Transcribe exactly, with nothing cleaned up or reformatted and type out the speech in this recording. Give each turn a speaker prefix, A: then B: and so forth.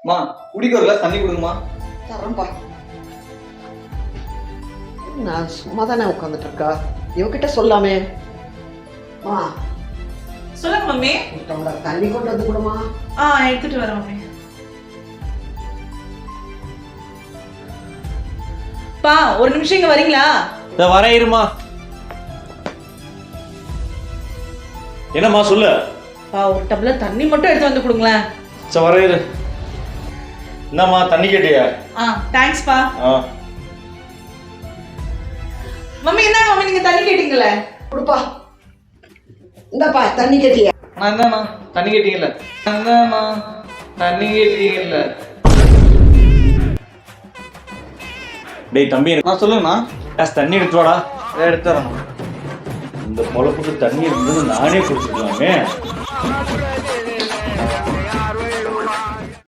A: மா குடிக்க ஒரு கிளாஸ் தண்ணி கொடுங்கம்மா.
B: தரேன்பா. நான் சும்மா தானே உட்காந்துட்டு இருக்கா, இவகிட்ட சொல்லாமே. மா
C: சொல்லுங்க மம்மி.
B: டம்ளர் தண்ணி கொண்டு வந்து கொடுமா.
C: ஆ எடுத்துட்டு வரேன் மம்மி. பா ஒரு நிமிஷம் இங்க வரீங்களா?
D: இத வர இருமா. என்னம்மா சொல்லு.
C: பா ஒரு டம்ளர் தண்ணி மட்டும் எடுத்து வந்து கொடுங்களேன்.
D: சரி வர இரு. என்னம்மா தண்ணி கேட்டியா?
C: ஆ தேங்க்ஸ் பா.
D: ஆ
C: மம்மி என்ன மம்மி நீங்க தண்ணி கேட்டீங்களே?
B: கொடுப்பா. இந்தப்பா தண்ணி கேட்டியா?
A: நான் என்னண்ணா தண்ணி கேட்டீங்கல்ல? என்னண்ணா தண்ணி கேட்டீங்கல்ல?
D: டேய் தம்பி
A: நான் சொல்லுங்கண்ணா.
D: கிளாஸ் தண்ணி எடுத்து வாடா.
A: எடுத்து வரேண்ணா.
D: இந்த பொழப்புக்கு தண்ணி இருந்தது நானே குடிச்சிக்கலாமே.